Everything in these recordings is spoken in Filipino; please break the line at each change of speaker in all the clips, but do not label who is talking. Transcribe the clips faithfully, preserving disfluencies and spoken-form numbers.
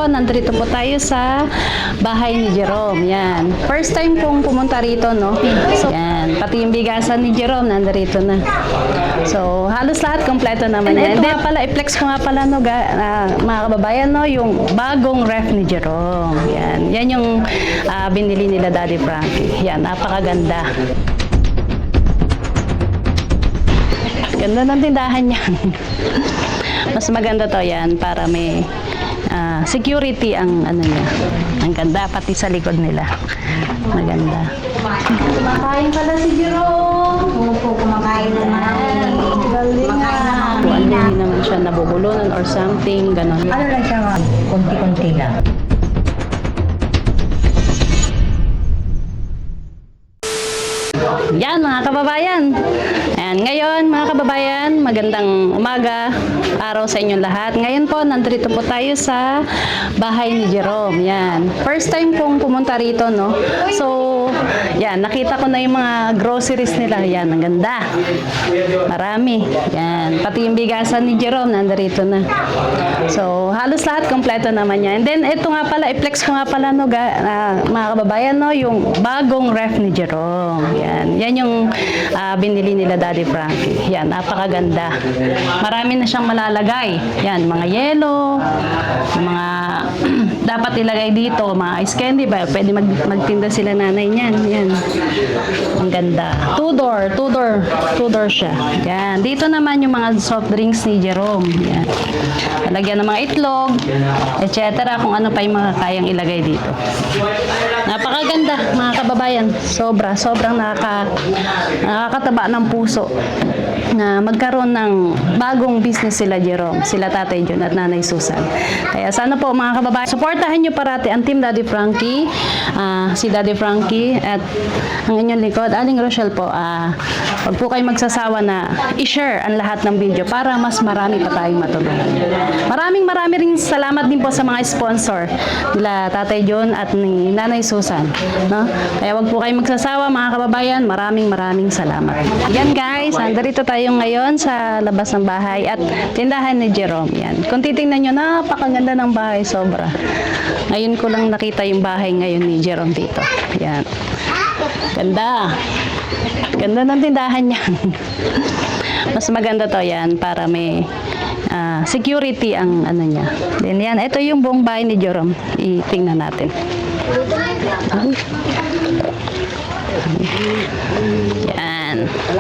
po, nandito po tayo sa bahay ni Jerome. Yan. First time kong pumunta rito, no? So, yan. Pati yung bigasan ni Jerome, nandito na. So, halos lahat kompleto naman yan. Ito nga pala, i-flex ko nga pala, no, ga, uh, mga kababayan, no, yung bagong ref ni Jerome. Yan. Yan yung uh, binili nila Daddy Frankie. Yan, napakaganda. Ganda ng tindahan yan. Mas maganda to yan para may uh, security ang ano niya. Ang ganda pati sa likod nila. Maganda. Kumakain pala si Jerome.
Opo, kumakain naman.
Galing nga. Hindi naman siya nabubulunan or something, ganon.
Ano lang siya, konti-konti lang.
Yan mga kababayan. Ayan, ngayon mga kababayan, magandang umaga, araw sa inyong lahat. Ngayon po, nandito po tayo sa bahay ni Jerome. Yan. First time kong pumunta rito, no? So, yan, nakita ko na yung mga groceries nila. Yan, ang ganda. Marami. Yan. Pati yung bigasan ni Jerome, nandito na. So, halos lahat kompleto naman yan. And then, ito nga pala, i-flex ko nga pala, no, ga, uh, mga kababayan, no, yung bagong ref ni Jerome. Yan. Yan yung uh, binili nila Daddy Frankie. Yan, napakaganda. Marami na siyang malalagay. Yan, mga yelo, mga dapat ilagay dito, mga ice candy ba? Pwede mag magtinda sila nanay niyan. Yan. Ang ganda. Two-door, two-door, two-door siya. Yan. Dito naman yung mga soft drinks ni Jerome. Yan. Lagyan ng mga itlog, et cetera. Kung ano pa yung mga kayang ilagay dito. Napakaganda, mga kababayan. Sobra, sobrang nakaka, nakakataba ng puso na magkaroon ng bagong business sila Jerome, sila Tatay John at Nanay Susan. Kaya sana po mga kababayan, supportahan nyo parati ang Team Daddy Frankie, uh, si Daddy Frankie at ang inyong likod, Aling Rochelle po. Uh, Huwag po kayo magsasawa na i-share ang lahat ng video para mas marami pa tayong matulungan. Maraming marami rin salamat din po sa mga sponsor nila Tatay John at ni Nanay Susan. No? Kaya huwag po kayo magsasawa mga kababayan, maraming maraming salamat. Yan guys, nandito tayo ngayon sa labas ng bahay at tindahan ni Jerome. Yan. Kung titingnan nyo, napakaganda ng bahay, sobra. Ngayon ko lang nakita yung bahay ngayon ni Jerome dito. Yan. Ganda. Ganda ng tindahan yan. Mas maganda to yan para may uh, security ang ano niya. Then yan, ito yung buong bahay ni Jerome. Itingnan natin. Ay. Yan.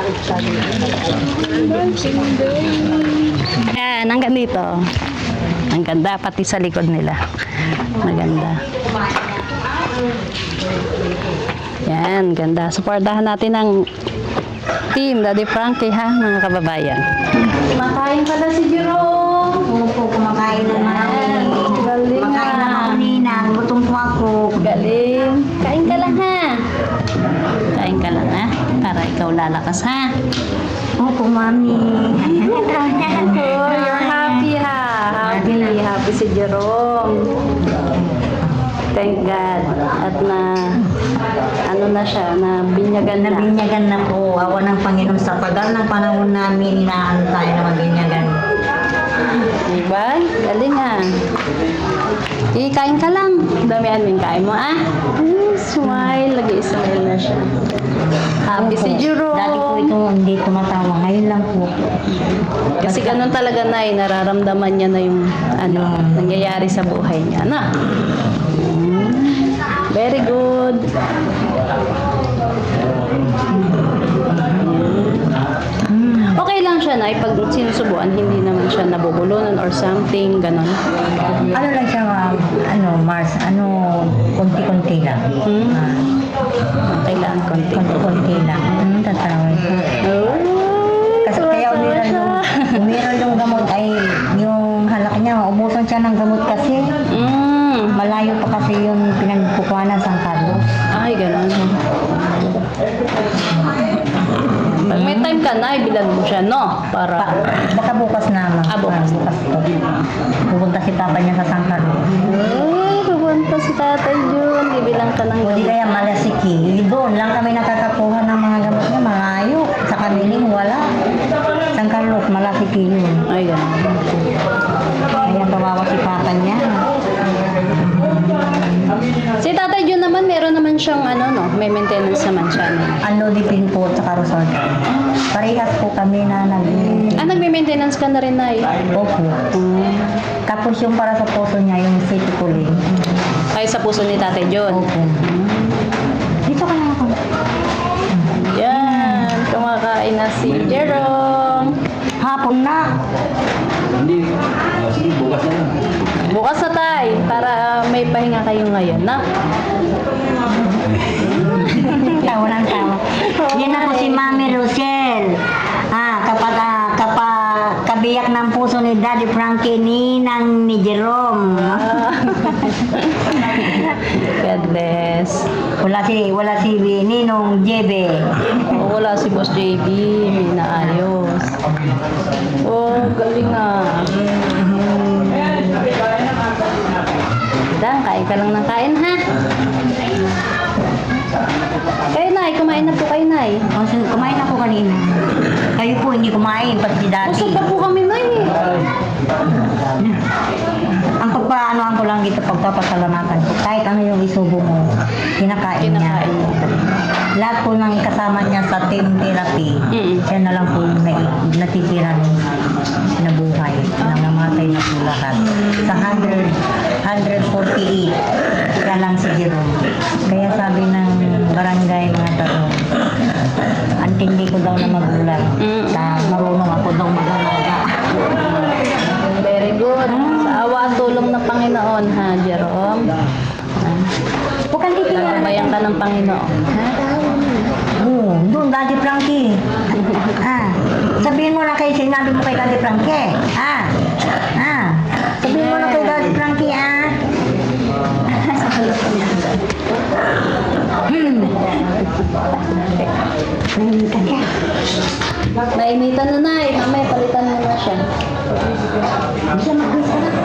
Yan, hanggang dito. Ang ganda, pati sa likod nila. Maganda. Yan, ganda. Supportahan natin ang Team Daddy Frankie, ha, mga kababayan. Kumakain pala si Jerome.
Opo, kumakain naman.
Galing
Kumakain
nga.
naman kanina. Gutom po ako.
Galing. Kain ka lang, ha? Kain ka lang, ha? Para ikaw lalakas, ha?
Opo, mami.
Oh, you're happy, ha? Happy. Happy si Jerome. Thank God. At na, ano na siya, na binyagan na.
Nabinyagan na po. Awa ng Panginoon sa tagal ng panahon namin, inaan tayo na mabinyagan.
Diba? Galing, ha? Eh, kain ka lang. Damihan mo yung kain mo, ah? Mm, smile. Lagi-smile na siya. Happy si Jerome.
Dati po ito hindi tumatawa. Ngayon lang po.
Kasi ganun talaga na eh, nararamdaman niya na yung ano, nangyayari sa buhay niya. Na? Very good. Okay lang siya na pag sinusubuan, hindi naman siya nabubulunan or something, ganun.
Ano lang siya, ma'am? Ano, Mars? Ano, konti-konti lang.
Hmm?
Ah,
Okay lang, konti.
konti-konti lang. Hmm, tatawin ko.
Oh,
Kasi kaya umiral yung, umiral yung gamot ay yung halak niya, maubusan siya ng gamot kasi.
Mm.
Malayo pa kasi yung pinagkukuhanan sa San Carlos.
Ay, ganun. Pag may time ka na, ibilan mo siya, no? Para...
Pa, baka bukas na, ma'am.
Ah, bukas.
Ah, bukas po. Pupunta si Papa niya sa San Carlos.
Ay, pupunta si Tatay Jun. Ibilang ka ng
O di kaya Malasiki. Doon lang kami nakakakuha ng mga gamot niya. Malayo. Sa Kaniling, wala. San Carlos, Malasiki yun.
Ay, ganun.
Kaya kawawa si Papa niya.
siyang ano, no? May maintenance naman siya. No?
Ano, dipin po sa Karusol. Parehas po kami na nag
Ah, nagme-maintenance ka na rin, Nay?
Opo. Tapos yung para sa puso niya, yung city cooling.
Ay, sa puso ni Tate John.
Opo. Dito ka lang ako.
Yan, kumakain na si Jerome.
Hapon na.
Hindi. Oh, sige, bukas na lang.
Bukas na tay, para may pahinga kayo ngayon, na?
Tawa ng tawa. Yan na po si Mami Rosel. Ah, kapag, ah, kapag kabiyak ng puso ni Daddy Frankie, ninang ni Jerome.
God bless.
Wala si, wala si Ninong Jebe.
Oh, wala si Boss J B, may naayos. Oh, galing ah. Dan, kain ka lang ng kain, ha? Kayo, Nay, kumain na po kayo, Nay.
Oh, so, kumain ako kanina. Kayo po hindi kumain, pati si Daddy.
Busog pa po kami, Nay.
Ang pagpaanoan ko lang dito, pagpapasalamatan ko. Kahit ano yung isubo mo, kinakain,
Kinakain
niya. Lahat po ng kasama niya sa team therapy,
Mm.
siya na lang po yung nai- natitira nung nabuhay. Nangamatay na po lahat. Sa one forty-eight, siya lang si Jerome. Kaya sabi ng barangay mga tao, antindi ko daw na magulang.
Mm.
Sa marunong ako daw mag-alaga.
Very good. Sa awa at tulong ng Panginoon, ha, Jerome?
Huwag kang titingnan.
Nagbayan ka ng Panginoon.
Oo, doon, Daddy Frankie. ah, sabihin mo na kay sinabi mo kay Daddy Frankie. Ah, ah, sabihin mo na kay Daddy Frankie, ah. hmm. Nahimitan siya.
Nainitan na, Nay. Mamaya, palitan mo na siya.
Hindi siya mag-isa na.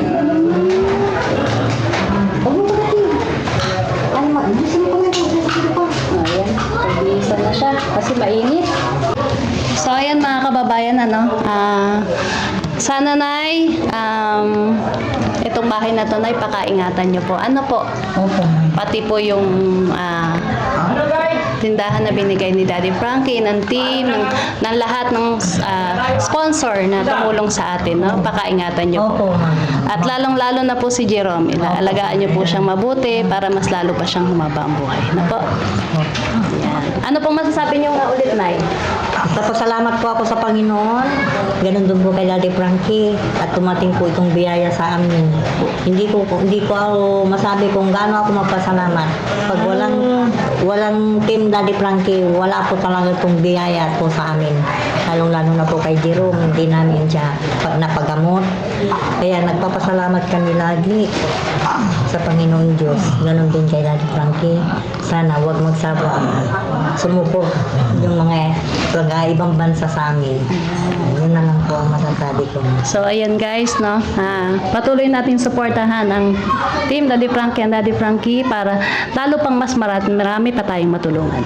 Huwag mo pagkati. Ano mo, hindi siya mag-isa pa.
Ayan, pag-iisa na siya kasi mainit. So ayan mga kababayan, ano, ah, sana Nay, um, itong bahay na to Nay, pakaingatan nyo po. Ano po,
Opo.
pati po yung ah, tindahan na binigay ni Daddy Frankie, ng team, ng, ng lahat ng ah, sponsor na tumulong sa atin, no? Pakaingatan nyo po.
Opo, ma'am.
At lalong-lalo na po si Jerome, ilaalagaan niyo po siyang mabuti para mas lalo pa siyang humaba ang buhay. Na po. Yan. Ano pong masasabi niyo nga ulit, Nay?
Nagpapasalamat po ako sa Panginoon. Ganun din po kay Daddy Frankie at tumating po itong biyaya sa amin. Hindi ko hindi ko ako masabi kung gaano ako magpasalamat. Pag walang walang team Daddy Frankie, wala po talaga itong biyaya po sa amin. Lalong-lalo na po kay Jerome, hindi namin siya pag napagamot. Kaya nagpapasalamat kami lagi sa Panginoon Diyos. Ganun din kay Daddy Frankie. Sana huwag magsabot. Sumuko yung mga taga ibang bansa sa amin. Yun na lang po ang masasabi ko.
So, ayan guys, no? Ah, patuloy natin suportahan ang team Daddy Frankie and Daddy Frankie para lalo pang mas marami, marami pa tayong matulungan.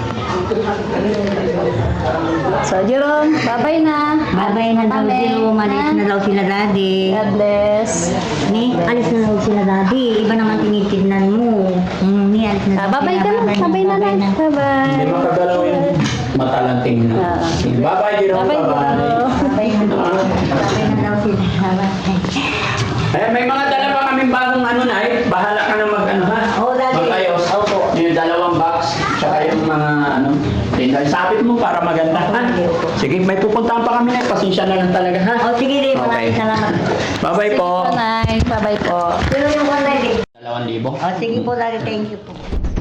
So, Jerome, bye-bye na.
Babay na daw
Amen.
sila, umalis
Ha?
na daw sila Daddy.
God bless.
Ni, alis na daw sila Daddy. Iba naman tinitignan mo. Mm, ni, alis na
Ah,
daw
bye-bye
sila.
ka na. Bye-bye na, Nay.
Hindi
Bye-bye.
makagalaw yung mata lang tingnan.
Ah.
Bye-bye, Jerome.
Bye-bye,
Bye-bye.
Jerome.
Babay na daw. Babay na daw sila. Babay.
Eh, may mga dala pa kaming bagong ano na eh. Bahala ka na mag ano ha.
Oo, Daddy.
Magayos.
Opo.
Yung dalawang box. Tsaka yung mga ano. Tinda. Sapit mo para maganda ha. Sige, may pupuntahan pa kami na. Pasensya na lang talaga ha.
O sige din, maraming
Okay.
salamat.
Bye-bye po.
Bye, Nay. Bye-bye po.
Sino yung one night?
Dalawang libo.
O sige po Daddy, thank you po.